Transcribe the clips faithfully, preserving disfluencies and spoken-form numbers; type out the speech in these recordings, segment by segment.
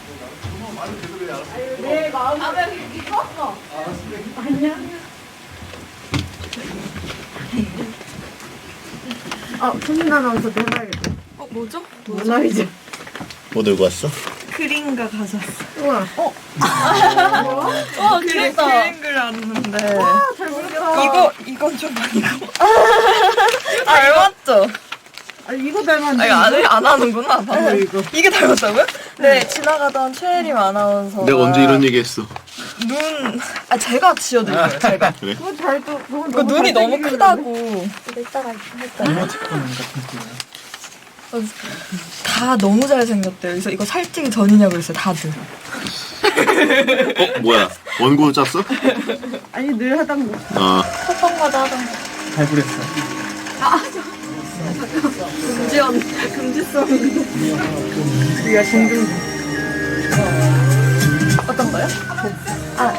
내 마음에 깊었어. 아니야. 아, 손님 아나운서 해봐야겠다. 어, 뭐죠? 문화이제. 뭐 들고 왔어? 그림가 가져왔어. 우와. 어, 와, 그림, 귀엽다. 그림 그렸는데. 와, 잘 그렸다. 이거, 이건 좀 아니고. 이거 닮았죠? 아, 이거 닮았네. 아, 이거 안, 안 하는구나. 방금. 이거. 이게 닮았다고요? 네, 지나가던 최혜림 아나운서가 내가 언제 이런 얘기 했어? 눈, 아, 제가 지어드릴게요, 제가. 그래? 그거 잘, 또, 그거 이거 눈이 너무 잘생기게 크다고. 이따가 했잖아요. 다 너무 잘생겼대요. 그래서 이거 살찌기 전이냐고 그랬어요, 다들. 어? 뭐야? 원고 짰어? 그렸는데. 아니, 늘 하던 거. 아, 첫번마다 하던 거. 잘 그렸어. 금지연, 금지성. 우리가 공중. 어떤 거요? 아,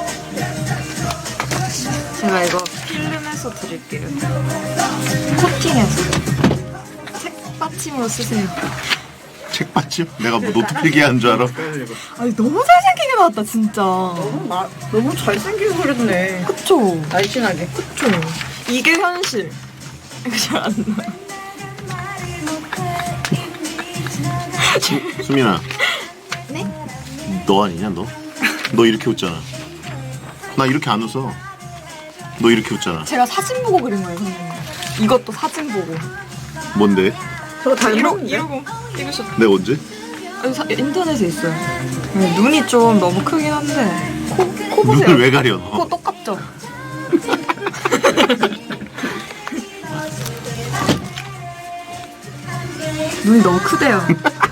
제가 이거 필름해서 드릴게요. 코팅해서. 책받침으로 쓰세요. 책받침? 내가 뭐 노트 필기한 줄 알아? 아니, 너무 잘생기게 나왔다, 진짜. 너무, 마, 너무 잘생기게 그렸네. 그쵸? 날씬하게. 그쵸? 이게 현실. 이거 잘 안 나. 수, 수민아. 네? 너 아니냐 너? 너 이렇게 웃잖아. 나 이렇게 안 웃어. 너 이렇게 웃잖아. 제가 사진 보고 그린 거예요, 선생님. 이것도 사진 보고. 뭔데? 저거 이러, 닮았는데? 이러고 찍으셨. 내가 언제? 아, 사, 인터넷에 있어요. 네, 눈이 좀 너무 크긴 한데 코, 코 보세요. 눈을 왜 가려 너? 코 똑같죠? 눈이 너무 크대요.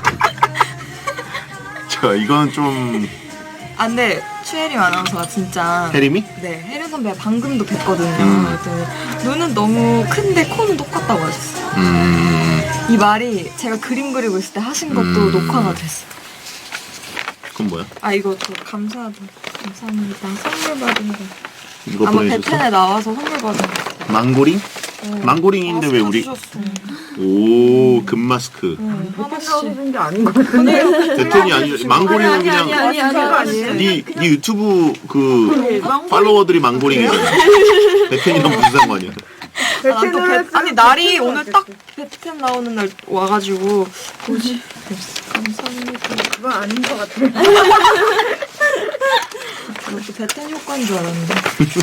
자, 이건 좀 아, 근데 최혜림 아나운서가 진짜 혜림이? 네, 혜림 선배 방금도 뵀거든요. 음. 그랬더니 눈은 너무 큰데 코는 똑같다고 하셨어요. 음... 이 말이 제가 그림 그리고 있을 때 하신 것도 음. 녹화가 됐어요. 그건 뭐야? 아, 이거 저 감사하다. 감사합니다. 선물 받은 거. 이거 아마 보내줬어? 베텐에 나와서 선물 받은 거. 망고링? 어. 망고링인데 왜 우리 주셨어. 오 금마스크 응, 하나씩 하나씩. 해준 게 아닌 것 같은데. 베텐이 아니 망고링은 아니, 그냥 아니, 아니, 아니, 그거 아니. 아니에요? 네, 네 유튜브 그 망고링? 팔로워들이 망고링이잖아. 베텐이랑 무슨 상관이야? 아, 난 또 베, 아니 날이 오늘 딱 베텐 나오는 날 와가지고 뭐지? 감사합니다. 그건 아닌 것 같아. 이것도 베텐 효과인 줄 알았는데.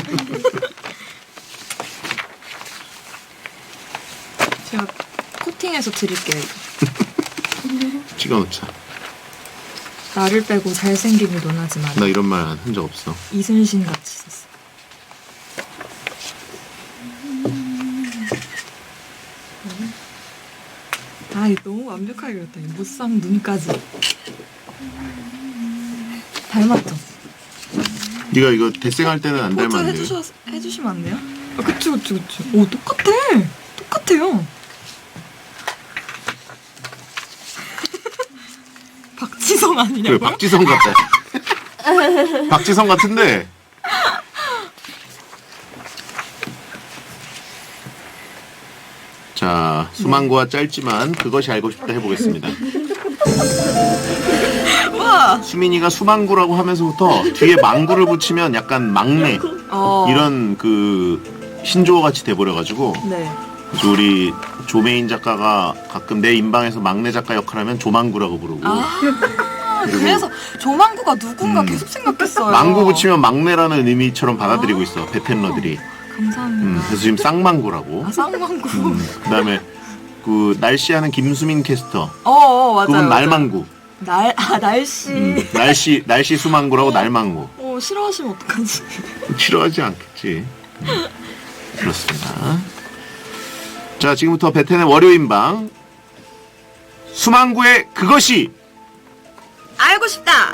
제가 코팅해서 드릴게요. 이거. 찍어놓자. 나를 빼고 잘생김을 논하지 마라. 나 이런 말 한 적 없어. 이순신 같이 썼어. 아, 이거 너무 완벽하게 그렸다. 이 무쌍 눈까지. 닮았죠? 네가 이거 대생할 때는 안 포즈 닮았네. 해주셔, 해주시면 안 돼요? 아, 그쵸, 그쵸, 그쵸. 오, 똑같아. 똑같아요. 박지성 아니냐고요? 그래 박지성 같다. 박지성 같은데. 자, 수망고와 짧지만 그것이 알고 싶다 해보겠습니다. 와! 수민이가 수망구라고 하면서부터 뒤에 망구를 붙이면 약간 막내 어. 이런 그 신조어 같이 돼버려가지고 네. 그래서 우리 조메인 작가가 가끔 내 인방에서 막내 작가 역할하면 조망구라고 부르고 아, 그래서 조망구가 누군가 음. 계속 생각했어요. 망구 붙이면 막내라는 의미처럼 받아들이고 있어 베텐러들이. 감사합니다. 음, 그래서 지금 쌍망구라고. 아, 쌍망구. 음, 그다음에 그 날씨하는 김수민 캐스터. 어, 어, 맞아요. 그분 맞아요. 날망구. 날, 아, 날씨. 음, 날씨 날씨 수망구라고 날망구. 어, 싫어하시면 어떡하지? 싫어하지 않겠지. 음, 그렇습니다. 자, 지금부터 베텐의 월요인방 수망구의 그것이. 알고 싶다!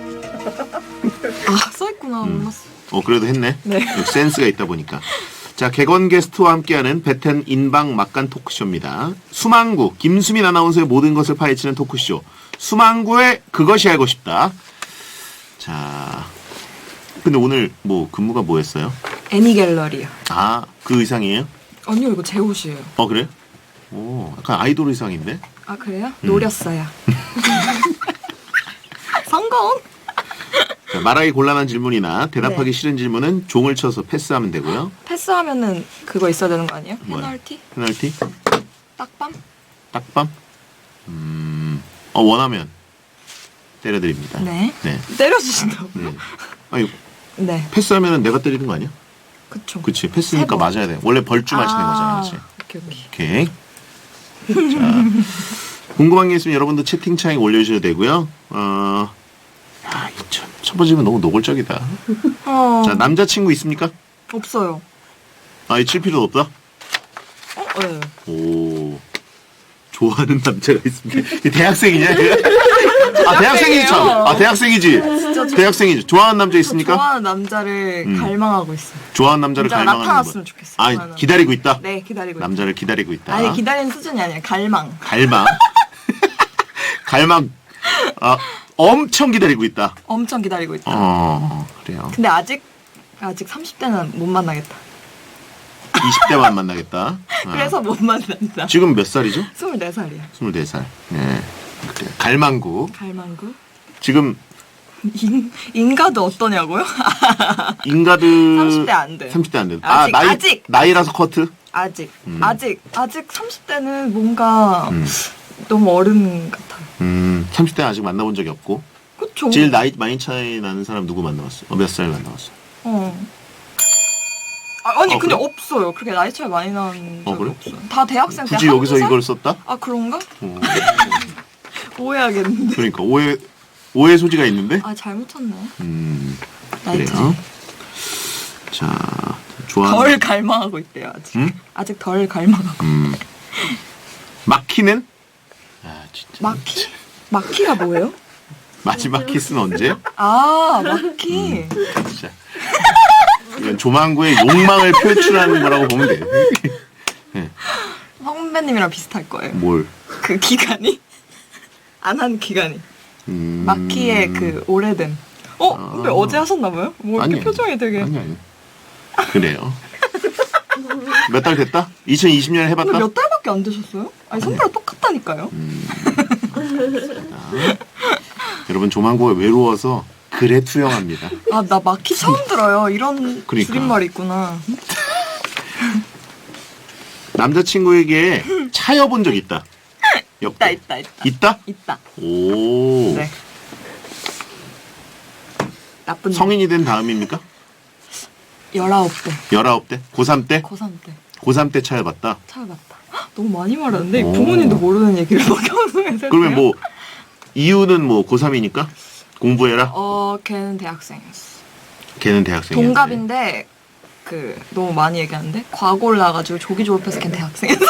아, 써있구나. 음. 몰랐어. 어 그래도 했네. 네. 센스가 있다 보니까. 자, 객원 게스트와 함께하는 베텐 인방 막간 토크쇼입니다. 수망구 김수민 아나운서의 모든 것을 파헤치는 토크쇼. 수망구의 그것이 알고 싶다. 자, 근데 오늘 뭐 근무가 뭐였어요? 애니 갤러리요. 아, 그 의상이에요? 아니요, 이거 제 옷이에요. 어 그래? 오, 약간 아이돌 의상인데? 아, 그래요? 음. 노렸어요. 성 성공. 자, 말하기 곤란한 질문이나 대답하기 네. 싫은 질문은 종을 쳐서 패스하면 되고요. 패스하면은 그거 있어야 되는 거 아니에요? 뭐야? 페널티? 페널티? 딱밤? 딱밤? 음, 어, 원하면 때려드립니다. 네. 네. 때려주신다고. 네. 아니, 네. 패스하면 내가 때리는 거 아니야? 그쵸. 그치. 패스니까 세 번. 맞아야 돼. 원래 벌주 마시는 아, 거잖아. 그치? 오케이, 오케이. 오케이. 자, 궁금한 게 있으면 여러분도 채팅창에 올려주셔도 되고요. 어, 야, 이 첫, 첫 번째 질문 너무 노골적이다. 어, 자, 남자친구 있습니까? 없어요. 아, 칠 필요도 없다? 어, 네. 오, 좋아하는 남자가 있습니다. 이 대학생이냐? 아, 대학생이지, 참. 아, 대학생이지. 진짜 저- 대학생이지. 좋아하는 남자 있습니까? 좋아하는 남자를 음. 갈망하고 있어요. 좋아하는 남자를 진짜 갈망하는 나타났으면 거. 좋겠어요. 아, 좋아하는 기다리고 있다? 네, 기다리고 남자를 기다리고 있다. 있어요. 아니, 기다리는 수준이 아니라 갈망. 갈망. 갈망. 아, 엄청 기다리고 있다. 엄청 기다리고 있다. 어, 그래요. 근데 아직 아직 삼십 대는 못 만나겠다. 이십 대만 만나겠다. 아. 그래서 못 만난다. 지금 몇 살이죠? 스물네 살이야. 스물네 살. 네. 그래. 갈망구. 갈망구. 지금 인, 인가도 어떠냐고요? 인가드 삼십 대 안 돼. 삼십 대 안 돼. 아직, 아, 나이 아직. 나이라서 커트. 아직 음. 아직 아직 삼십 대는 뭔가 음. 너무 어른 같아요. 음, 삼십 대 아직 만나본 적이 없고. 그쵸? 제일 나이 많이 차이 나는 사람 누구 만나봤어? 어, 몇 살 만나봤어? 어. 아, 아니 어, 근데 그래? 없어요. 그렇게 나이 차이 많이 나는 적이 어, 그래? 없어요. 다 대학생 때 굳이 한두 여기서 살? 이걸 썼다? 아 그런가? 어. 오해하겠는데. 그러니까 오해 오해 소지가 있는데. 아 잘못 쳤네. 음, 나이 차이. 그래요. 자, 좋아. 덜 갈망하고 있대요 아직. 응? 아직 덜 갈망하고. 음. 마키는? 아, 진짜. 마키? 마키가 뭐예요? 마지막 키스는 언제? 아 마키. 진짜. 이건 조만구의 욕망을 표출하는 거라고 보면 돼. 네. 선배님이랑 비슷할 거예요. 뭘? 그 기간이 안 한 기간이. 음... 마키의 그 오래된. 어? 아. 근데 어제 하셨나봐요? 뭐 이렇게 아니, 표정이 되게. 아니 아니. 그래요. 몇 달 됐다? 이천이십 년에 해봤다? 근데 몇 달밖에 안 되셨어요? 아니 선배랑 똑같다니까요. 음. 자, 여러분 조만구가 외로워서 글에 투영합니다. 아 나 마키 처음 들어요. 이런 그러니까. 줄임말이 있구나. 남자친구에게 차여본 적 있다. 있다 있다 있다. 있다? 있다. 오. 네. 나쁜 성인이 된 다음입니까? 열아홉 대. 열아홉 대? 고삼 때? 고삼 때. 고삼 때 차여봤다. 찾아봤다. 헉, 너무 많이 말하는데 오. 부모님도 모르는 얘기를 막 방송에서 그러면 뭐 이유는 뭐 고삼이니까 공부해라. 어 걔는 대학생이었어. 걔는 대학생이야. 동갑인데 그 너무 많이 얘기하는데 과고를 나가지고 조기 졸업해서 걔는 대학생이었어.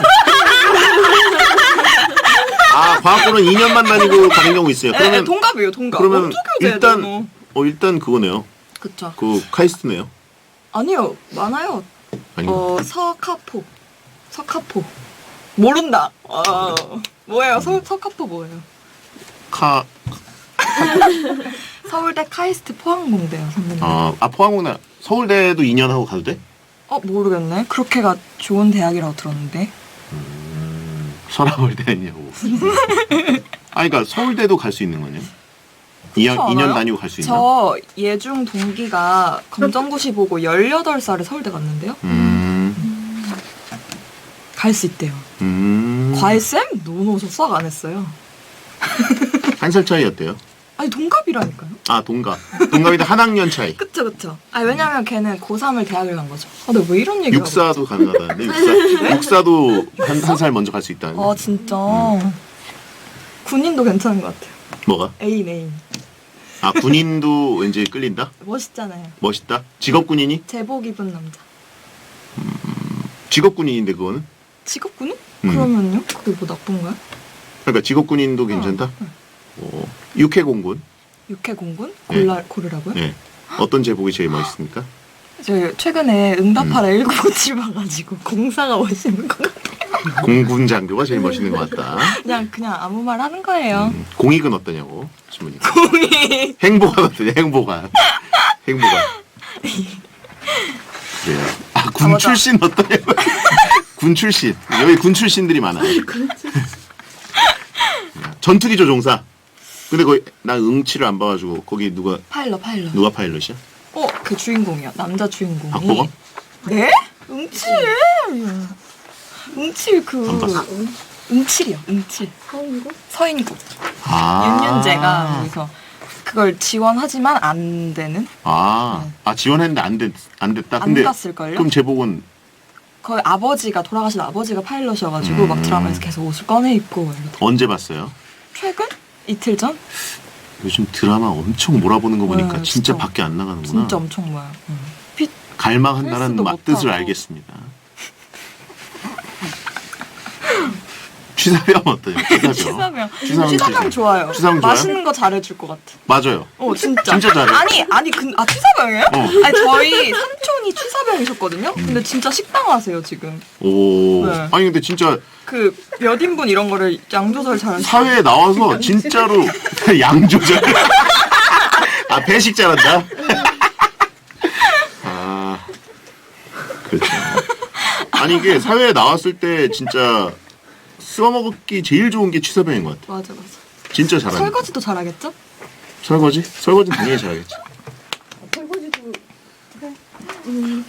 아, 과학고는 이 년만 다니고 가는 경우 있어요. 네, 그러면 동갑이에요 동갑. 그러면 어떻게 해야 일단 뭐. 어 일단 그거네요. 그쵸. 그 카이스트네요. 아니요 많아요. 아닌가? 어 서카포 서카포 모른다. 어 뭐예요 서 서카포 뭐예요? 카 서울대 카이스트 포항공대요 선배님. 아, 아 포항공대 서울대도 이 년 하고 가도 돼? 어 모르겠네. 그렇게가 좋은 대학이라고 들었는데. 서라벌대 아니냐고. 아, 그러니까 서울대도 갈 수 있는 거네요. 이 년 그렇지 이 년 않아요? 다니고 갈 수 있나? 저 예중 동기가 검정고시 보고 열여덟 살에 서울대 갔는데요. 음. 갈 수 있대요. 음. 과외쌤? 노노 저 수학 안 했어요. 한 살 차이였대요. 아니 동갑이라니까요. 아, 동갑. 동갑인데 한 학년 차이. 그쵸 그쵸. 아 왜냐면 걔는 고삼을 대학을 간 거죠. 아 근데 왜 이런 얘기를 육사도 가능하다는데 육사 육사도 한 한 살 먼저 갈 수 있다는데. 아 진짜. 군인도 괜찮은 것 같아요. 뭐가? 애인 애인. 아, 군인도 왠지 끌린다? 멋있잖아요. 멋있다. 직업 군인이? 제복 입은 남자. 직업 군인인데 그거는? 직업 군인? 음. 그러면요? 그게 뭐 나쁜 거야? 그러니까 직업 군인도 괜찮다. 응. 오, 육해 공군. 육해 공군? 네. 골라 고르라고요? 네. 어떤 제복이 제일 멋있습니까? 저 최근에 응답하라 음. 일구구칠 봐가지고 공사가 멋있는 것 같아요. 공군 장교가 제일 멋있는 것 같다. 그냥 그냥 아무 말 하는 거예요. 음, 공익은 어떠냐고 질문이. 공이. 행보가 어떠냐? 행보가. 행보가. 그래요. 아, 군 아, 맞아. 출신 어떠냐고. 군 출신. 여기 군 출신들이 많아. 전투기 조종사. 근데 거기 나 응치를 안 봐가지고 거기 누가 파일럿 파일럿. 누가 파일럿이야? 어, 그 주인공이야. 남자 주인공이. 박보검? 네? 응칠. 응칠 그. 안 봤어. 응칠이요. 응칠. 서인국? 서인국. 아. 윤윤재가 여기서 그걸 지원하지만 안 되는. 아, 네. 아 지원했는데 안 됐, 안 됐다. 안 근데 갔을걸요? 그럼 제복은 거의 아버지가 돌아가신 아버지가 파일럿이어가지고 음. 막 드라마에서 계속 옷을 꺼내 입고 이러더라고요. 언제 봤어요? 최근? 이틀 전? 요즘 드라마 엄청 몰아보는 거 보니까 네, 진짜 진짜. 밖에 안 나가는구나. 진짜 엄청 모아요. 응. 피, 갈망한다는 헬스도 맛뜻을 못하고. 알겠습니다. 취사병 어때요? 취사병. 취사병. 취사병 취사병 좋아요. 취사병 좋아요? 맛있는 거 잘해줄 것 같아. 맞아요. 어 진짜. 진짜 잘해. 아니 아니 근 아 취사병이에요? 어. 아니 저희 삼촌이 취사병이셨거든요. 근데 진짜 식당 하세요 지금. 오. 네. 아니 근데 진짜 그 몇 인분 이런 거를 양 조절 잘하시고. 사회에 나와서 진짜로 양 조절. 아 배식 잘한다. 아 그렇죠. 아니 이게 사회에 나왔을 때 진짜 씹어 먹기 제일 좋은 게 취사병인 것 같아. 맞아 맞아. 진짜 잘한다. 설거지도 잘하겠죠? 설거지? 설거지 당연히 잘하겠지. 설거지도 음.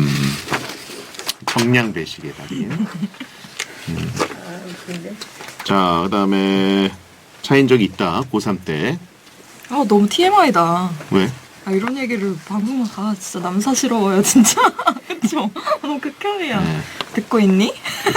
정량 배식의 달인. 음. 근데 자, 그다음에 차인 적이 있다. 고삼 때. 아 너무 티엠아이다. 왜? 아 이런 얘기를 방송만 아 진짜 남사스러워요 진짜. 그쵸? 너무 극혐이야. 네. 듣고 있니?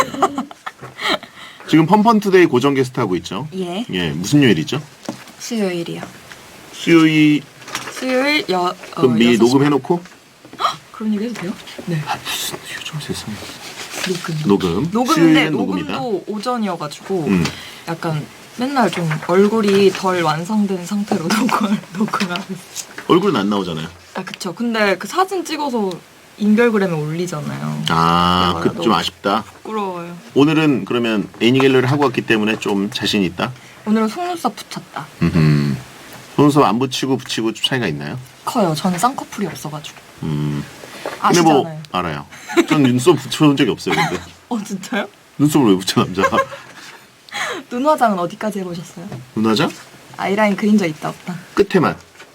지금 펀펀투데이 고정 게스트 하고 있죠? 예. 예, 무슨 요일이죠? 수요일이요. 수요일 수요일 여 어, 그럼 미리 여섯 시 녹음해놓고? 그런 얘기 해도 돼요? 네. 아 무슨 요즘 세상에. 녹음. 녹음. 녹음인데 수요일은 녹음이다. 녹음도 오전이어가지고 음. 약간 맨날 좀 얼굴이 덜 완성된 상태로 녹음을 녹음을 하고 있어요. 얼굴은 안 나오잖아요. 아 그쵸. 근데 그 사진 찍어서 인별그램에 올리잖아요. 아, 야, 그 좀 너무 아쉽다. 부끄러워요. 오늘은 그러면 애니갤러를 하고 왔기 때문에 좀 자신 있다. 오늘은 속눈썹 붙였다. 음. 속눈썹 안 붙이고 붙이고 좀 차이가 있나요? 커요. 저는 쌍꺼풀이 없어가지고. 음. 근데 아시잖아요. 뭐 알아요. 전 눈썹 붙여본 적이 없어요. 근데 어 진짜요? 눈썹을 왜 붙여 남자가? 눈 화장은 어디까지 해보셨어요? 눈화장? 아이라인 그린 적 있다 없다. 끝에만.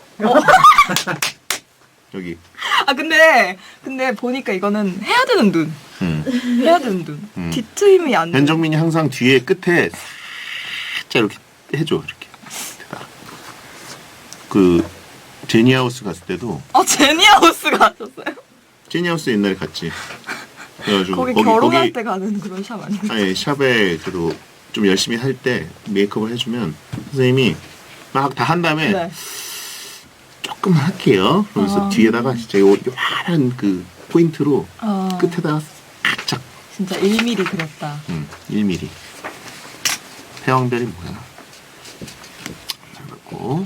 여기. 아 근데 근데 보니까 이거는 해야 되는 눈. 음. 해야 되는 눈. 음. 뒤트임이 안 돼. 변정민이 항상 뒤에 끝에 살짝 이렇게 해줘 이렇게. 대다. 그 제니하우스 갔을 때도 어 제니하우스 가셨어요? 제니하우스 옛날에 갔지. 그래가지고 거기, 결혼할 때 가는 그런 샵 아니에요? 아니 샵에 그래도 좀 열심히 할 때 메이크업을 해주면 선생님이 막 다 한 다음에 네. 조금만 할게요. 그러면서 아. 뒤에다가 진짜 요 요란한 그 포인트로 어, 끝에다가 살짝 진짜 일 밀리미터 그렸다. 음, 일 밀리미터. 태왕별이 뭐야? 잘 맞고.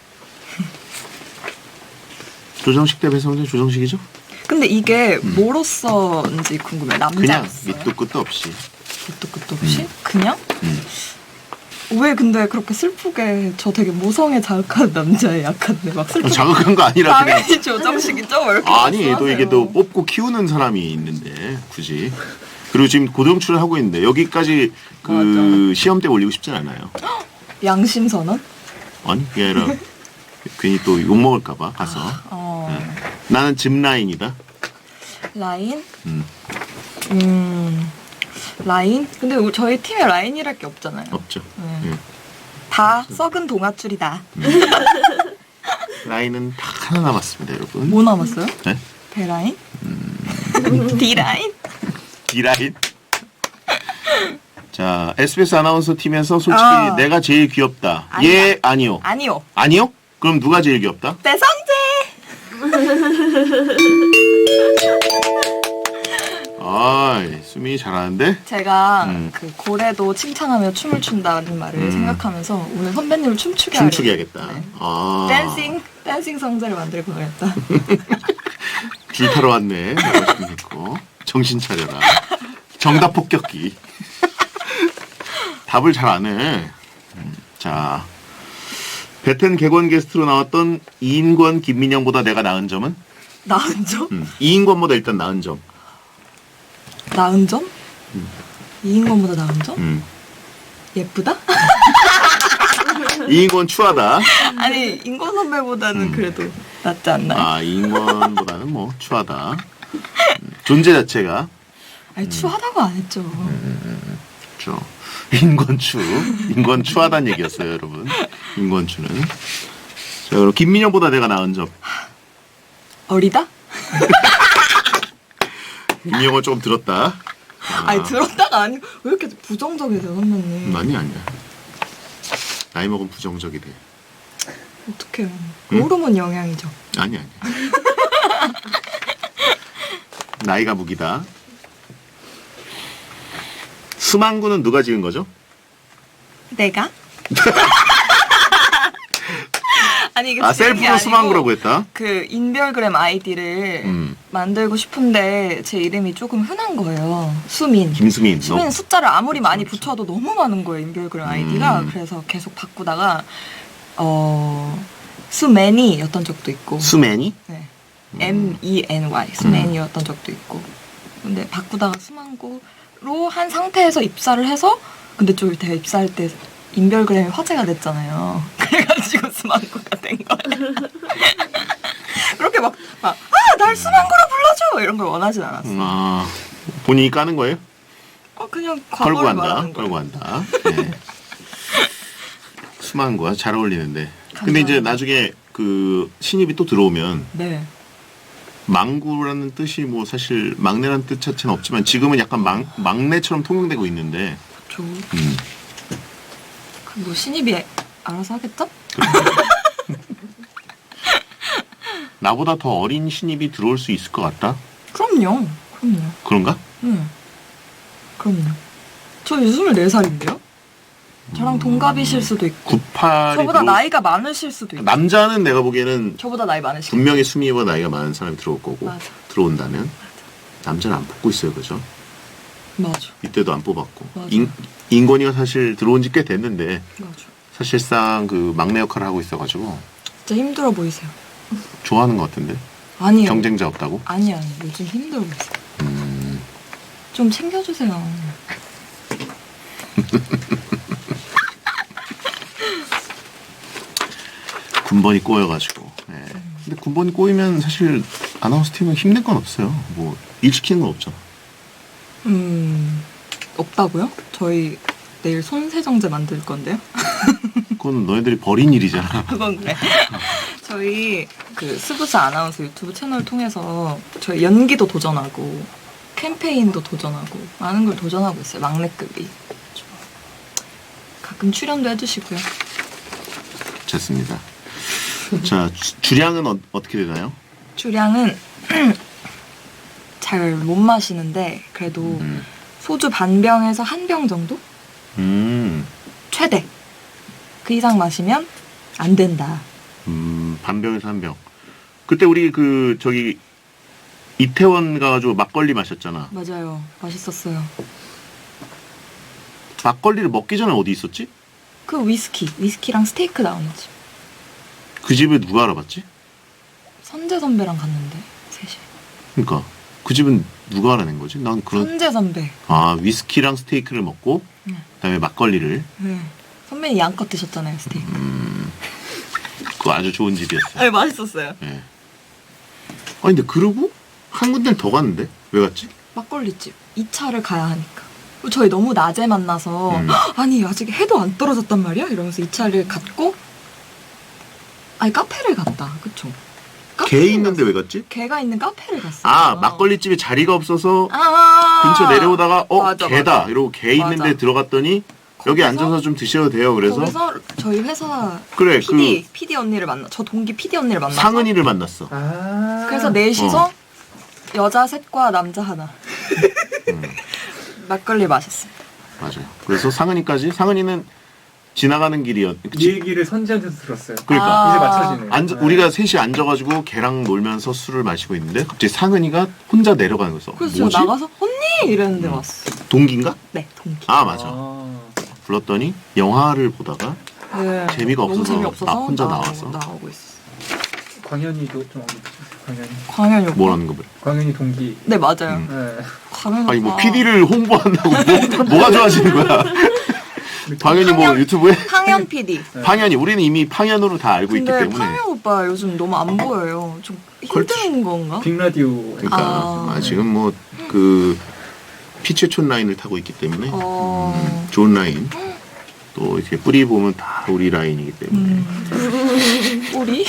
조정식 대 배성재 조정식이죠? 근데 이게 뭐로서인지 궁금해. 그냥 남자였어요? 밑도 끝도 없이. 밑도 끝도 없이? 그냥? 음. 왜 근데 그렇게 슬프게 저 되게 모성에 자극한 남자에 약한데 막 슬프게 자극한 거 아니라 그냥. 당연히 조정식이죠? 왜 이렇게 아니 또 말씀하세요? 이게 또 뽑고 키우는 사람이 있는데 굳이. 그리고 지금 고등출을 하고 있는데 여기까지 그 맞아. 시험대 올리고 싶진 않아요. 양심 선언? 아니 그게 아니라 괜히 또 욕 먹을까봐 가서. 어... 나는 짚 라인이다. 라인? 음, 음... 라인? 근데 우리- 저희 팀에 라인이랄 게 없잖아요. 없죠. 네. 음. 다 썩은 동아줄이다. 라인은 다 하나 남았습니다, 여러분. 뭐 남았어요? 네? 배라인? D라인? D라인. 자, 에스비에스 아나운서 팀에서 솔직히 아. 내가 제일 귀엽다. 아니야. 예, 아니요. 아니요. 아니요? 그럼 누가 제일 귀엽다? 배성재! 아, 수민이 잘하는데? 제가 음. 그 고래도 칭찬하며 춤을 춘다는 말을 음. 생각하면서 오늘 선배님을 춤추게 춤추게 하려고. 하겠다. 네. 아. 댄싱 댄싱 성재를 만들고 가겠다. 줄 타러 왔네. 열심히 했고. 정신 차려라. 정답 폭격기. 답을 잘 안 해. 음, 자. 베텐 객원 게스트로 나왔던 이인권, 김민영보다 내가 나은 점은? 나은 점? 음, 이인권보다 일단 나은 점. 나은 점? 이인권보다 나은 점? 음. 예쁘다? 이인권 추하다. 아니 인권 선배보다는 음. 그래도 낫지 않나요? 아, 이인권보다는 뭐 추하다. 음, 존재 자체가 아니 추하다고 안 했죠. 그렇죠. 인권추, 인권추하다는 얘기였어요, 여러분. 인권추는. 자, 그럼 김민영보다 내가 나은 점. 어리다? 김민영은 조금 들었다. 아, 아니 들었다가 아니고 왜 이렇게 부정적이세요 선배님? 음, 아니 아니야. 나이 먹으면 부정적이 돼. 어떡해요. 응? 호르몬 영향이죠. 아니 아니. 나이가 무기다. 수망구는 누가 지은 거죠? 내가? 아니 이게 아, 지은 게 셀프로 아니고 수망구라고 했다. 그 인별그램 아이디를 음. 만들고 싶은데 제 이름이 조금 흔한 거예요. 수민. 김수민. 수민 너. 숫자를 아무리 많이 붙여도 너무 많은 거예요 인별그램 아이디가. 음. 그래서 계속 바꾸다가 어 수맨이였던 적도 있고. 수맨이? 네. M E N Y 수맨이었던 적도 있고. 근데 바꾸다가 수망구로 한 상태에서 입사를 해서 근데 좀 제가 입사할 때 인별그램이 화제가 됐잖아요. 그래가지고 수망구가 된 거예요. 그렇게 막, 막, 아, 날 수망구로 불러줘! 이런 걸 원하진 않았어요. 아, 본인이 까는 거예요? 어, 그냥 걸고 과거를 한다. 말하는 거예요. 걸고 한다. 네. 수망구와 잘 어울리는데. 근데 감사합니다. 이제 나중에 그 신입이 또 들어오면 네. 망구라는 뜻이 뭐 사실 막내라는 뜻 자체는 없지만 지금은 약간 막, 막내처럼 통용되고 있는데 저, 음, 뭐 신입이 알아서 하겠죠? 나보다 더 어린 신입이 들어올 수 있을 것 같다? 그럼요. 그럼요. 그런가? 응. 그럼요. 저 이제 스물네 살인데요? 저랑 동갑이실 수도 있고. 구십팔이 저보다 들어올 나이가 많으실 수도 수... 있고. 남자는 내가 보기에는 저보다 나이 많으실 수도 분명히 수미보다 나이가 많은 사람이 들어올 거고 맞아. 들어온다면 남자는 안 뽑고 있어요, 그죠? 맞아. 이때도 안 뽑았고 맞아. 인, 인권이가 사실 들어온 지 꽤 됐는데 맞아. 사실상 그 막내 역할을 하고 있어가지고 진짜 힘들어 보이세요. 좋아하는 것 같은데 아니요. 경쟁자 없다고? 아니 아니 요즘 힘들어 보이세요. 음, 좀 챙겨주세요. 군번이 꼬여가지고. 예. 근데 군번이 꼬이면 사실 아나운서 팀은 힘든 건 없어요. 뭐 일 시키는 건 없잖아. 음 없다고요? 저희 내일 손세정제 만들 건데요. 그건 너희들이 벌인 일이잖아. 그건 그래. 저희 그 스브스 아나운서 유튜브 채널 통해서 저희 연기도 도전하고 캠페인도 도전하고 많은 걸 도전하고 있어요. 막내급이. 가끔 출연도 해주시고요. 좋습니다. 자, 주, 주량은 어, 어떻게 되나요? 주량은 잘 못 마시는데 그래도 음. 소주 반 병에서 한 병 정도? 음, 최대. 그 이상 마시면 안 된다. 음, 반병에서 한 병. 그때 우리 그 저기 이태원 가가지고 막걸리 마셨잖아. 맞아요. 맛있었어요. 막걸리를 먹기 전에 어디 있었지? 그 위스키, 위스키랑 스테이크 나오는 집. 그 집을 누가 알아봤지? 선재 선배랑 갔는데 셋이. 그러니까 그 집은 누가 알아낸 거지? 난 그런 선재 선배. 아 위스키랑 스테이크를 먹고 네. 그다음에 막걸리를 네. 선배님 양껏 드셨잖아요 스테이크. 음, 그거 아주 좋은 집이었어. 네 맛있었어요. 예. 아니 근데 그러고 한 군데를 더 갔는데 왜 갔지? 막걸리집. 이 차를 가야 하니까. 저희 너무 낮에 만나서 음. 아니 아직 해도 안 떨어졌단 말이야? 이러면서 이 차를 갔고 아니 카페를 갔다. 그쵸? 개 있는데 왜 갔지? 개가 있는 카페를 갔어요. 아 막걸리 집에 자리가 없어서 아~ 근처 내려오다가 어 맞아, 개다 맞아. 이러고 개 있는데 맞아. 들어갔더니 여기 거기서? 앉아서 좀 드셔도 돼요. 그래서 거기서 저희 회사 그래 피디, 그 피디 언니를 만나 저 동기 피디 언니를 만나서 상은이를 만났어. 아. 그래서 넷이서 어. 여자 셋과 남자 하나 음, 막걸리 마셨습니다. 맞아요. 그래서 상은이까지 상은이는 지나가는 길이었. 이 얘기를 선지한테서 들었어요. 그러니까. 이제 맞춰지네요. 앉아, 네. 우리가 셋이 앉아가지고 걔랑 놀면서 술을 마시고 있는데 갑자기 상은이가 혼자 내려가는 거였어. 그래서 뭐지? 제가 나가서 언니 이랬는데 음. 왔어. 동기인가? 네 동기. 아 맞아. 아. 불렀더니 영화를 보다가 네. 재미가 너무 없어서 재미없어서 나 혼자 나오고, 나와서. 나오고 있어. 광현이도 좀 언급해주세요. 광현이. 광현이 오빠. 뭐라는 거 보래. 광현이 동기. 네 맞아요. 음. 네. 광현 아니 뭐 오빠. 피디를 홍보한다고 뭐, 뭐가 좋아지는 거야? 방현이 뭐 황현- 유튜브에 황현 피디. 방현이 우리는 이미 방현으로 다 알고 있기 근데 때문에. 황현 오빠 요즘 너무 안 보여요. 좀 힘든 건가? 빅라디오. 그러니까 아. 아, 지금 뭐 그 피체촌 라인을 타고 있기 때문에 어. 음, 좋은 라인. 또 이렇게 뿌리 보면 다 우리 라인이기 때문에. 음. 우리?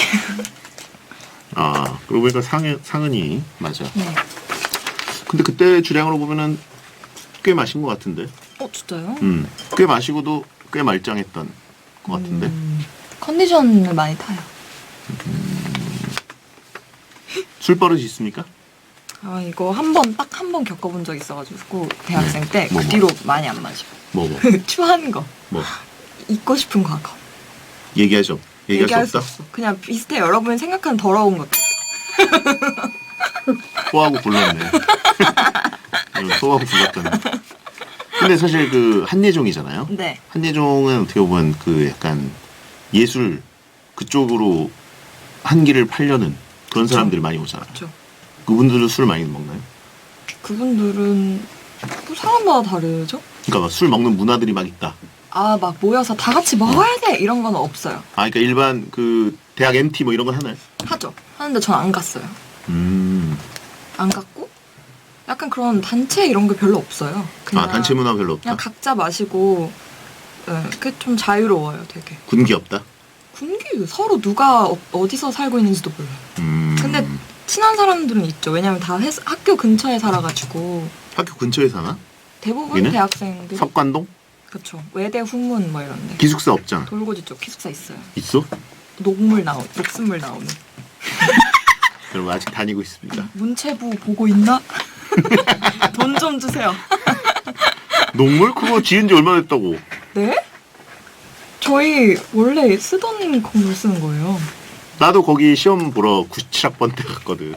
아 그러고 보니까 상은 상은이 맞아. 네. 근데 그때 주량으로 보면은 꽤 마신 것 같은데. 어 진짜요? 음, 꽤 마시고도 꽤 말짱했던 것 같은데. 음, 컨디션을 많이 타요. 술 버릇이 있습니까? 아 이거 한 번 딱 한 번 겪어본 적 있어가지고 대학생 네. 때 그 뭐, 뭐. 뒤로 많이 안 마셔. 뭐 뭐. 추한 거, 뭐 잊고 싶은 과거. 얘기하죠. 얘기할, 얘기할 수 없다. 없어. 그냥 비슷해. 여러분이 생각하는 더러운 것. 소하고 불렀네. 응, 소하고 불렀던. 근데 사실 그 한예종이잖아요. 네. 한예종은 어떻게 보면 그 약간 예술 그쪽으로 한기를 팔려는 그런 그쵸. 사람들이 많이 오잖아. 그렇죠. 그분들은 술 많이 먹나요? 그분들은 뭐 사람마다 다르죠. 그러니까 막술 먹는 문화들이 막 있다. 아 막 모여서 다 같이 먹어야 돼 이런 건 없어요. 아, 그러니까 일반 그 대학 엠티 뭐 이런 거 하나요? 하죠. 하는데 전 안 갔어요. 음. 안 갔고 약간 그런 단체 이런 게 별로 없어요. 그냥 아, 단체 문화 별로 없다. 그냥 각자 마시고 네, 그게 좀 자유로워요, 되게. 군기 없다. 군기 서로 누가 어, 어디서 살고 있는지도 몰라요. 음. 근데 친한 사람들은 있죠. 왜냐면 다 회사, 학교 근처에 살아가지고 학교 근처에 사나? 대부분 여기는? 대학생들 석관동? 그렇죠. 외대 후문 뭐 이런데 기숙사 없잖아. 돌고지 쪽 기숙사 있어요. 있어? 녹물 나오 녹슨물 나오는 여러분 아직 다니고 있습니다. 문체부 보고 있나? 돈 좀 주세요. 녹물 그거 지은 지 얼마나 됐다고? 네? 저희 원래 쓰던 건물 쓰는 거예요. 나도 거기 시험 보러 구십칠 학번 때 갔거든.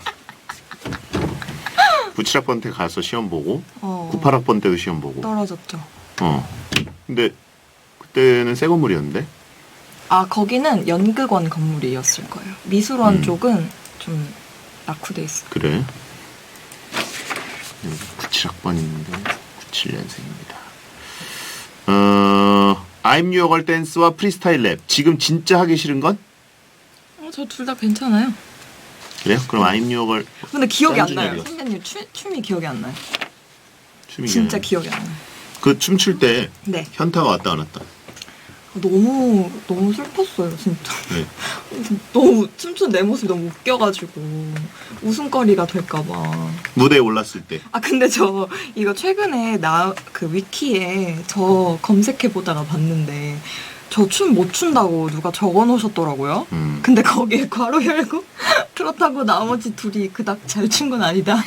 구십칠 학번 때 가서 시험 보고 어, 구십팔 학번 때도 시험 보고. 떨어졌죠. 어. 근데 그때는 새 건물이었는데. 아 거기는 연극원 건물이었을 거예요. 미술원 음. 쪽은 좀 낙후돼 있어. 그래. 구십칠 학번 있는데 구십칠 년생입니다. 어, I'm Your Girl 댄스와 프리스타일 랩. 지금 진짜 하기 싫은 건? 어, 저 둘 다 괜찮아요. 그래요? 그럼 I'm Your Girl 근데 기억이 안 나요. 짠준이요. 선배님 춤, 춤이 기억이 안 나요. 춤이 진짜 그냥- 기억이 안 나요. 그 춤출 때 네. 현타가 왔다 안 왔다. 너무 너무 슬펐어요, 진짜. 네. 너무 춤춘 내 모습이 너무 웃겨가지고 웃음거리가 될까봐. 무대에 올랐을 때. 아 근데 저 이거 최근에 나 그 위키에 저 검색해 보다가 봤는데 저 춤 못 춘다고 누가 적어 놓으셨더라고요. 음. 근데 거기에 괄호 열고 그렇다고 나머지 둘이 그닥 잘 춘 건 아니다.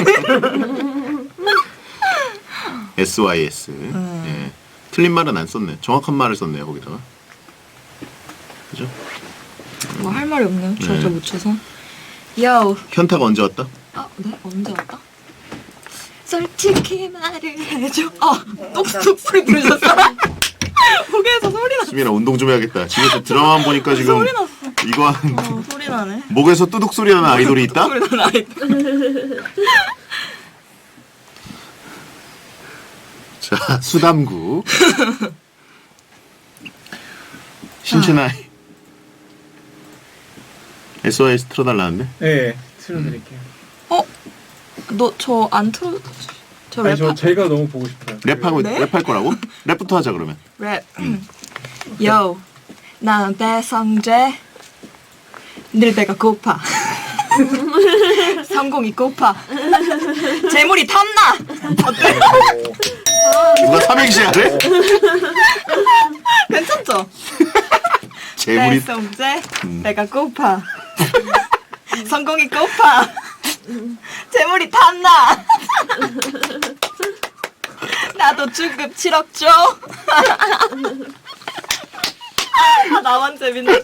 에스와이에스. 음. 예. 틀린 말은 안 썼네. 정확한 말을 썼네요, 거기다가. 그죠? 뭐 할 말이 없네요. 네. 저저 묻혀서. 요. 현타가 언제 왔다? 아, 네? 언제 왔다? 솔직히 말을 해줘. 아, 똑똑 소리 들으셨어? 목에서 소리 났어. 수민아 운동 좀 해야겠다. 집에서 드라마만 보니까 지금 소리 났어. 이거 한 어, 소리 나네. 목에서 뚜둑 소리 나는 아이돌이 있다? 소리 나는 아이돌. 자, 수담구. 신춘아이. 에스오에스 틀어달라는데? 네, 틀어드릴게요. 어? 너 저 안 틀어? 저 아니 랩. 저 제가 너무 보고 싶어요. 랩하고 네? 랩할 거라고? 랩부터 하자 그러면. 랩. 요. 난 배성재. 늘 배가 고파. 성공이 고파. 재물이 탐나. 어때? 누가 삼행시 하래? 괜찮죠? 재물이 배성재. 음. 배가 고파. 성공이 고파. 재물이 탐나. 나도 중급 칠억 줘. 아, 나만 재밌네.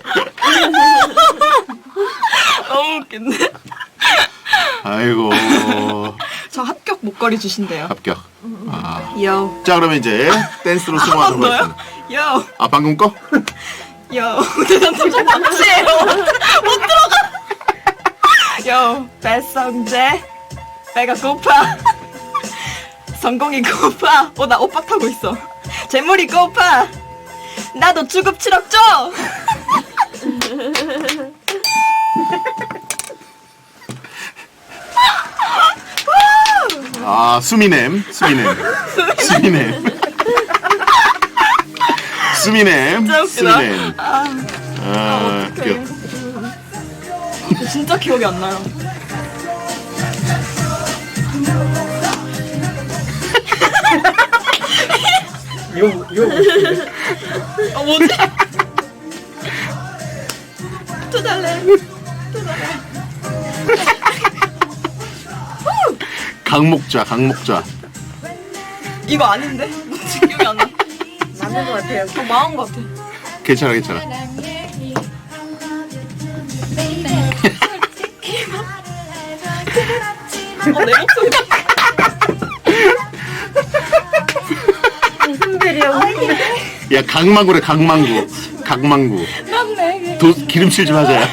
너무 웃긴데? 아이고 저 합격 목걸이 주신대요. 합격. 아. 요. 자 그러면 이제 댄스로 한 승화하도록 번 더요? 하겠습니다. 요. 아 방금 거? 요. 대단 진짜 박치예요. 못 들어가. 요. 배성재. 배가 고파. 성공이 고파. 어, 나 오빠 타고 있어. 재물이 고파. 나도 주급 칠억 줘. 아, 수미넴, 수미넴, 수미넴. 수미넴, 진짜 웃기다. 수미넴. 아, 귀여워. 진짜 기억이 안 나요. 이거 이거 어 뭐지? 또 달래. 강목좌, 강목좌. 이거 아닌데? 뭔지 기억이 안 나. 맞는 것 같아요. 더 망한 것 같아. 괜찮아, 괜찮아. 어, 내 목소리. 무슨 별이야? 야, 강망구래, 강망구. 강망구. 맞네. 도, 기름칠 좀 하자. 야.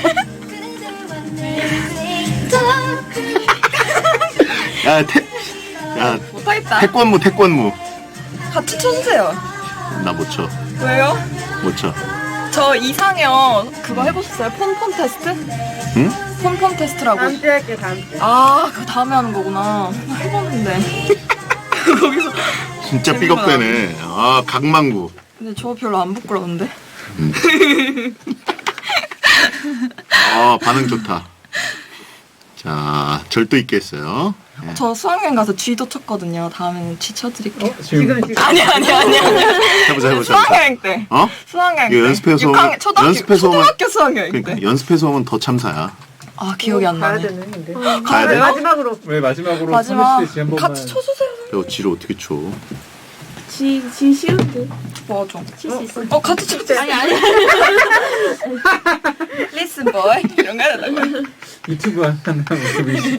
야, 태, 야, 못하겠다. 태권무, 태권무. 같이 쳐주세요. 나 못 쳐. 왜요? 못 쳐. 저 이상형 그거 해보셨어요? 폰폰 테스트? 응? 폰폰 테스트라고. 다음 주에 할게 다음 주. 아, 그거 다음에 하는 거구나. 해봤는데. 거기서. 진짜 재밌구나. 삐걱대네. 아, 강망구. 근데 저 별로 안 부끄러운데? 아, 반응 좋다. 자, 절도 있게 했어요. 예. 저 수학여행 가서 쥐도 쳤거든요. 다음에는 쥐 쳐드릴게요. 어, 지금 지금 지금. 아니, 아니, 아니, 아니. 해보자, 해보자. 수학여행 때. 어? 수학여행 때. 이거 연습해서 육 학년, 오면- 초등학교, 연습해서 오면- 초등학교 수학여행 그러니까 때. 연습해서 오면 더 참사야. 아, 기억이 안 가야 나네. 되네 근데. 가야 돼? 마지막으로 왜 마지막으로 마지막 선우 씨한 번만 같이 쳐주세요. 야, 지를 어떻게 쳐? 지, 지 쉬운데. 맞아. 칠 수 있어. 어, 같이 쳐주세요. 아니, 아니. Listen boy. 이런 거 해야 된다고. 유튜브 하는 모습이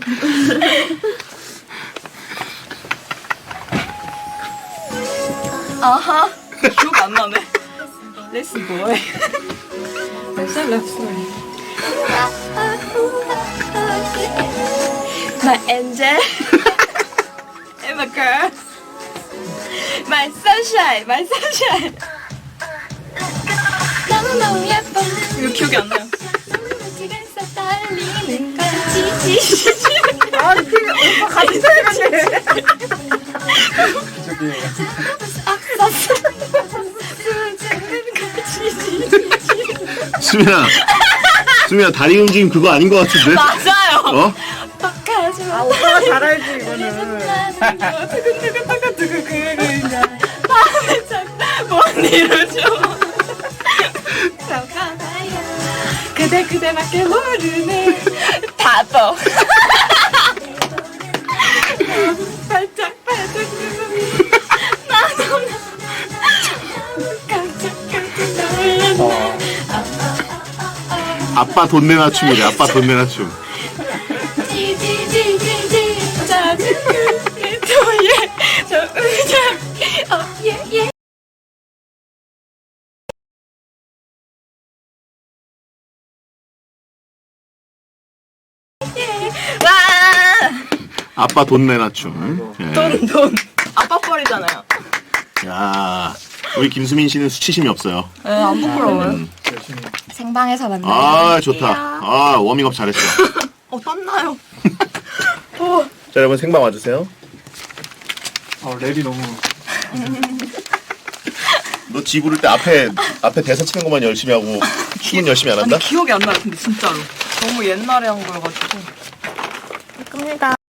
아하. 기억 안 나네. Listen boy. Listen, listen. My angel. And my girl. My sunshine. My sunshine. 너무너무 예뻐. 이거 기억이 안 나요. 아 지금 오빠 같이 써야겠네. 저기 수민아, 수민아 다리 움직임 그거 아닌 것 같은데? 맞아요. 어? 똑하지 마. 아 오빠가 잘 알지 이거는. 밤에 자꾸 이러죠. 그대 그대밖에 모르네. 다도. 발짝 발짝 나도 깜짝 깜짝 놀랐네. 아빠 돈 내나 춤이래. 아빠 돈 내나 춤. 지지지지지 작은 그의 도예 저 의자 어예예 와 아빠 돈 내나 춤. 예. 돈, 돈. 아빠 뻘이잖아요. 야, 우리 김수민 씨는 수치심이 없어요. 네, 안 부끄러워요. 음. 열심히 생방에서 만나요. 아, 좋다. 아, 워밍업 잘했어. 어, 땀나요. 어, 자, 여러분 생방 와주세요. 어 랩이 너무 너 지 부를 때 앞에 앞에 대사 치는 것만 열심히 하고 춤은 열심히 안 한다? 아니, 기억이 안 나요, 근데 진짜로. 너무 옛날에 한 거여가지고. 겁니다.